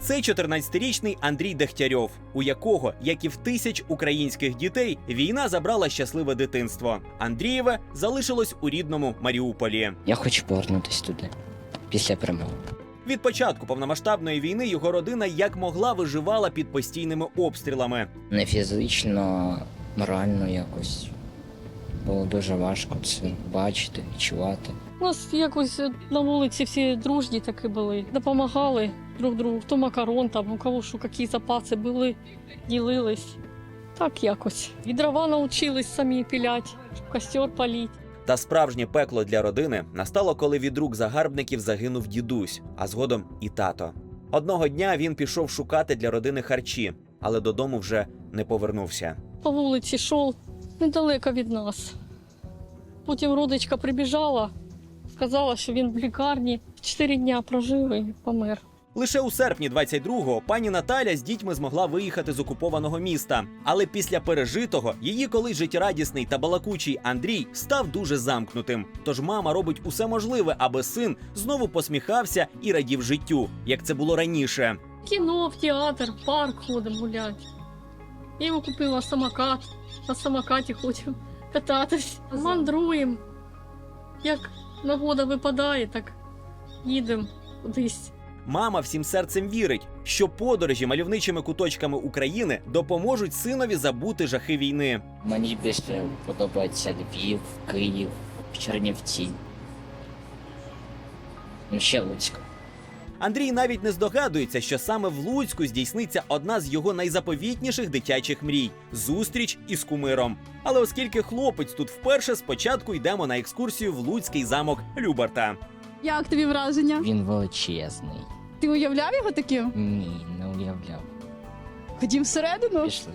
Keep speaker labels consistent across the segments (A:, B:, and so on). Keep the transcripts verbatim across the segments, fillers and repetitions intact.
A: Це чотирнадцятирічний Андрій Дегтярьов, у якого, як і в тисяч українських дітей, війна забрала щасливе дитинство. Андрієве залишилось у рідному Маріуполі.
B: Я хочу повернутися туди після перемоги.
A: Від початку повномасштабної війни його родина як могла виживала під постійними обстрілами.
B: Не фізично, морально якось. Було дуже важко це бачити, відчувати.
C: У нас якось на вулиці всі дружні такі були. Допомагали друг другу. Хто макарон, там, у кого що, які запаси були, ділились. Так якось. І дрова навчились самі пілять, костер паліть.
A: Та справжнє пекло для родини настало, коли від рук загарбників загинув дідусь, а згодом і тато. Одного дня він пішов шукати для родини харчі, але додому вже не повернувся.
C: По вулиці йшов недалеко від нас. Потім родичка прибіжала, сказала, що він в лікарні. Чотири дня прожив і помер.
A: Лише у серпні двадцять другого пані Наталя з дітьми змогла виїхати з окупованого міста. Але після пережитого її колись життєрадісний та балакучий Андрій став дуже замкнутим. Тож мама робить усе можливе, аби син знову посміхався і радів життю, як це було раніше.
C: В кіно, в театр, в парк ходимо гуляти. Я йому купила самокат, на самокаті ходимо кататись. Мандруємо. Як нагода випадає, так їдемо кудись.
A: Мама всім серцем вірить, що подорожі мальовничими куточками України допоможуть синові забути жахи війни.
B: Мені більше подобається Львів, Київ, Чернівці. Ну, ще Луцьк.
A: Андрій навіть не здогадується, що саме в Луцьку здійсниться одна з його найзаповітніших дитячих мрій – зустріч із кумиром. Але оскільки хлопець тут вперше, спочатку йдемо на екскурсію в Луцький замок Любарта.
D: Як тобі враження?
B: Він величезний.
D: Ти уявляв його таким?
B: Ні, не уявляв.
D: Ходім всередину.
B: Пішли.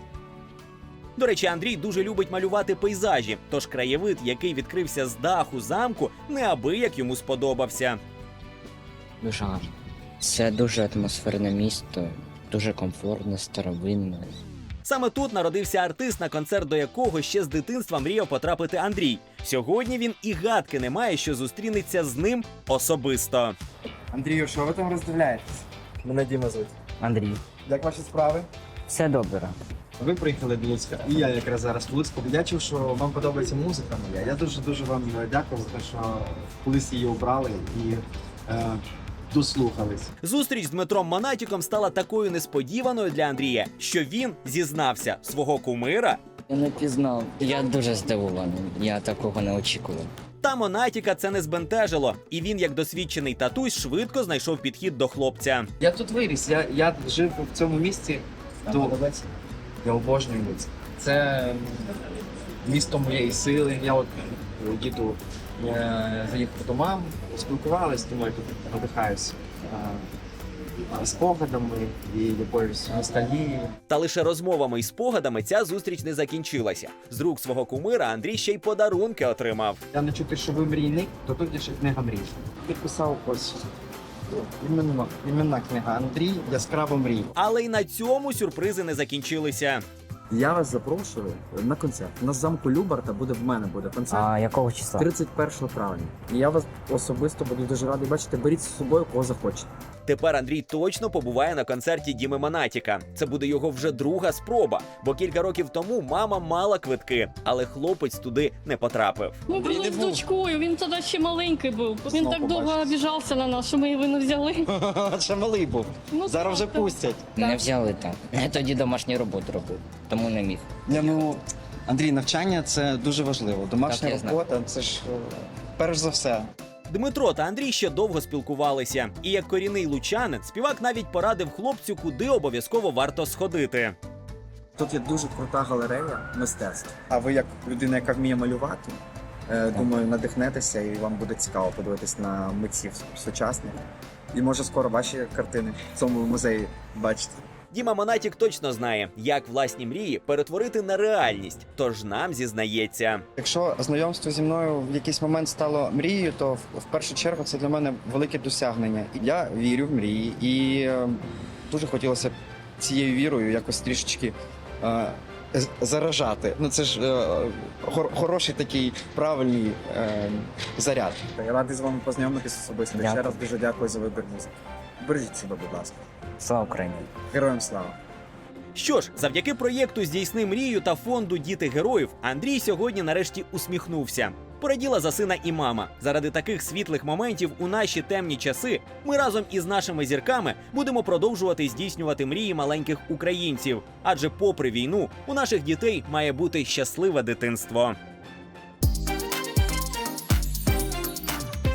A: До речі, Андрій дуже любить малювати пейзажі, тож краєвид, який відкрився з даху замку, неабияк йому сподобався.
B: Дуже гарно. Це дуже атмосферне місто, дуже комфортне, старовинне.
A: Саме тут народився артист, на концерт до якого ще з дитинства мріяв потрапити Андрій. Сьогодні він і гадки не має, що зустрінеться з ним особисто.
E: Андрію, що ви там роздивляєтесь?
F: Мене Діма звуть.
B: Андрій,
E: Як ваші справи?
B: все добре.
E: Ви приїхали до Луцька, і я якраз зараз в Луцьку. Я чув, що вам подобається музика моя. Я дуже-дуже вам дякую за те, що колись її обрали і е, дослухались.
A: Зустріч з Дмитром Монатіком стала такою несподіваною для Андрія, що він зізнався, свого кумира
B: Я не пізнав. Я дуже здивований. Я такого не очікував.
A: та Монатіка це не збентежило. І він, як досвідчений татусь, швидко знайшов підхід до хлопця.
E: Я тут виріс, я, я жив в цьому місті. До... Я обожнюю Луцьк. Це місто моєї сили. Я от їду, е, заїхав до мам, спілкувалися, думаю, тут надихаюся е, спогадами і якоюсь ностальгією.
A: Та лише розмовами і спогадами ця зустріч не закінчилася. З рук свого кумира Андрій ще й подарунки отримав.
E: Я не чути, що ви мрійник, то тут є ще книга мрій. Підписав ось іменна, іменна книга Андрій «Яскрава мрій».
A: Але й на цьому сюрпризи не закінчилися.
F: Я вас запрошую на концерт. На замку Любарта буде в мене буде концерт.
B: А якого числа?
F: тридцять першого травня. І я вас особисто буду дуже радий бачити. Беріть з собою, кого захочете.
A: Тепер Андрій точно побуває на концерті Діми Монатіка. Це буде його вже друга спроба, бо кілька років тому мама мала квитки, але хлопець туди не потрапив.
C: Ми були з дочкою, він тоді ще маленький був. Він
E: Знову
C: так довго
E: побачиш.
C: обіжався на нас, що ми його не взяли.
E: Ще малий був.
C: Ну,
E: Зараз вже
C: так, так.
E: пустять.
B: Не взяли так. Я тоді домашню роботу робив, тому не міг.
E: Я, ну, Андрій, навчання – це дуже важливо. Домашня
B: Так, я знаю.
E: робота – це ж е, перш за все.
A: Дмитро та Андрій ще довго спілкувалися. І як корінний лучанин, співак навіть порадив хлопцю, куди обов'язково варто сходити.
F: Тут є дуже крута галерея мистецтв.
E: А ви, як людина, яка вміє малювати,
F: Е, Думаю, надихнетеся і вам буде цікаво подивитись на митців сучасних. І може скоро ваші картини в цьому музеї бачите.
A: Діма Монатік точно знає, як власні мрії перетворити на реальність, тож нам зізнається.
E: якщо знайомство зі мною в якийсь момент стало мрією, то в, в першу чергу це для мене велике досягнення. І я вірю в мрії. І е, дуже хотілося б цією вірою якось трішечки е, з- заражати. Ну це ж е, хор- хороший такий правильний е, заряд.
F: Я радий з вами познайомитись особисто.
B: Дякую.
F: Ще раз дуже дякую за вибір музики. Бережіть себе, будь ласка.
B: Слава Україні!
F: Героям слава!
A: Що ж, завдяки проєкту «Здійсни мрію» та фонду «Діти героїв» Андрій сьогодні нарешті усміхнувся. Пораділа за сина і мама. Заради таких світлих моментів у наші темні часи ми разом із нашими зірками будемо продовжувати здійснювати мрії маленьких українців. Адже попри війну у наших дітей має бути щасливе дитинство.